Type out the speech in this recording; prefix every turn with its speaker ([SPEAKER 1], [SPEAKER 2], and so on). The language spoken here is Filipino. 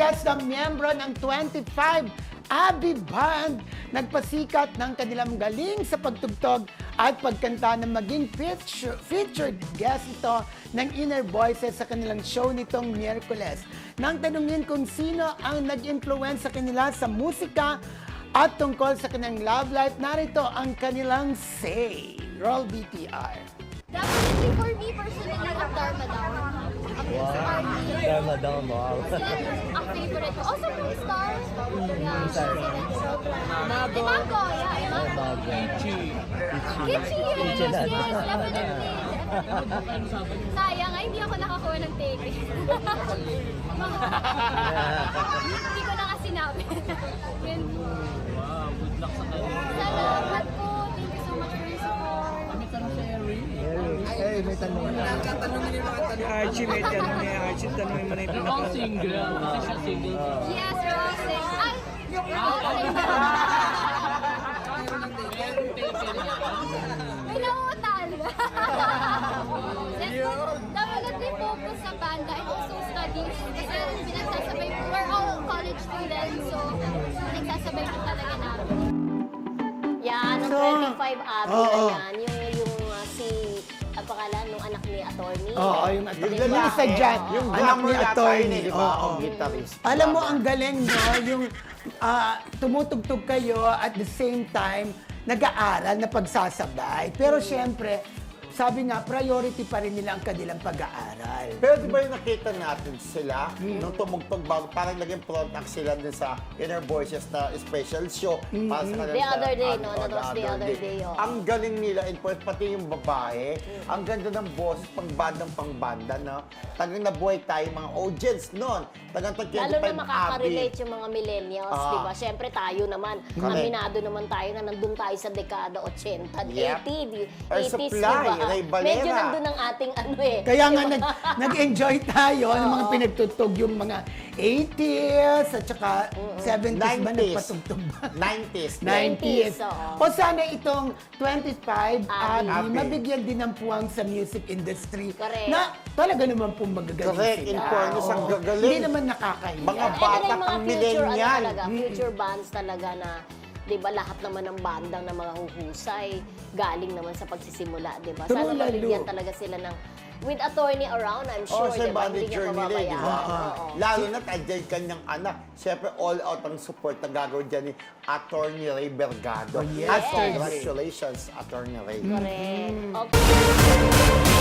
[SPEAKER 1] guest na miyembro ng 25 Abby Band. Nagpasikat ng kanilang galing sa pagtugtog at pagkanta na maging featured guest ito ng Inner Voices sa kanilang show nitong Miyerkules. Nang tanungin kung sino ang nag-influence sa kanila sa musika at tungkol sa kanilang love life, narito ang kanilang say. Roll BTR.
[SPEAKER 2] Definitely for me personally, ang Dharma Down.
[SPEAKER 3] Dharma Down, wow.
[SPEAKER 2] Ang favorite ko. Also from Star. Yeah, she's in it. Imago, yeah, Imago. Kichi, yes, definitely. Sayang, hindi ako nakakuha ng ticket. Hindi ko na kasi sinabi.
[SPEAKER 4] Wow, good luck sa kanya.
[SPEAKER 2] Salamat po. Thank you so much for your support.
[SPEAKER 4] Kami tanong si Harry.
[SPEAKER 3] May tanong na.
[SPEAKER 5] Archie, may tanong niya. Archie, tanongin mo na yung
[SPEAKER 4] You're all single. Kasi siya single.
[SPEAKER 2] Yes, Roxy. Ay! May nauutal. Definitely focus sa banda and also studies. Kasi pinagsasabay po, we're all college students, so pinagsasabay po talaga namin.
[SPEAKER 6] Yan, ang 25 Abby na yan. Yung si, ang pangalan nung anak ni attorney.
[SPEAKER 1] Oo, yung isa dyan.
[SPEAKER 3] Yung
[SPEAKER 1] anak
[SPEAKER 3] glamour
[SPEAKER 1] ni
[SPEAKER 3] attorney,
[SPEAKER 1] attorney.
[SPEAKER 3] di ba?
[SPEAKER 1] Oo.
[SPEAKER 3] Ang guitarist.
[SPEAKER 1] Alam mo, ang galing, no? Yung tumutugtog kayo at the same time, nag-aaral na pagsasabay. Pero syempre, sabi nga, priority pa rin nila ang kanilang pag-aaral.
[SPEAKER 3] Pero di ba yung nakita natin sila nung tumugtog bago, parang naging front act sila din sa Inner Voices na special show para sa kanila.
[SPEAKER 6] The other day, no? That was the other day, oh.
[SPEAKER 3] Ang galing nila, and pati yung babae, ang ganda ng boses, pang-banda, no? Tagang nabuhay tayo mga audience noon. Tagang
[SPEAKER 6] Lalo na makaka-relate yung mga millennials, di ba? Siyempre tayo naman,
[SPEAKER 3] Correct.
[SPEAKER 6] aminado naman tayo na nandun tayo sa dekada 80,
[SPEAKER 3] Yep.
[SPEAKER 6] 80s, di
[SPEAKER 3] Supply,
[SPEAKER 6] ba?
[SPEAKER 3] Ray Valera.
[SPEAKER 6] Medyo nandun ang ating ano eh.
[SPEAKER 1] Kaya nga nag-enjoy tayo ng mga pinagtutog yung mga 80s at saka 70s ba
[SPEAKER 3] 90s.
[SPEAKER 1] nagpatugtog ba?
[SPEAKER 3] 90s.
[SPEAKER 1] 90s.
[SPEAKER 6] oo.
[SPEAKER 1] O sana itong 25
[SPEAKER 6] Abby.
[SPEAKER 1] Abby, mabigyan din ng puwang sa music industry
[SPEAKER 6] Correct.
[SPEAKER 1] na talaga naman pong magagaling
[SPEAKER 3] Correct.
[SPEAKER 1] sila.
[SPEAKER 3] In fairness, ang
[SPEAKER 1] Oo.
[SPEAKER 3] gagaling.
[SPEAKER 1] Hindi naman nakakahiya.
[SPEAKER 3] Mga
[SPEAKER 6] And
[SPEAKER 3] bata
[SPEAKER 6] then yung
[SPEAKER 3] pang
[SPEAKER 6] mga
[SPEAKER 3] millennial.
[SPEAKER 6] future bands talaga na, di ba, lahat naman ng bandang na mga huhusay, galing naman sa pagsisimula, di ba? Sana
[SPEAKER 1] True, lalo.
[SPEAKER 6] mabigyan talaga sila ng, with attorney around, I'm
[SPEAKER 3] Oh,
[SPEAKER 6] sure,
[SPEAKER 3] sa
[SPEAKER 6] di ba, hindi niya
[SPEAKER 3] manager nila, di ba?
[SPEAKER 6] mababayaan. Oo.
[SPEAKER 3] Lalo na't andyan kanyang anak. Siyempre, all out ang support na gagawin dyan ni Attorney Ray Bergado.
[SPEAKER 1] Oh, yes.
[SPEAKER 3] At congratulations, Attorney Ray.
[SPEAKER 6] Correct. Okay.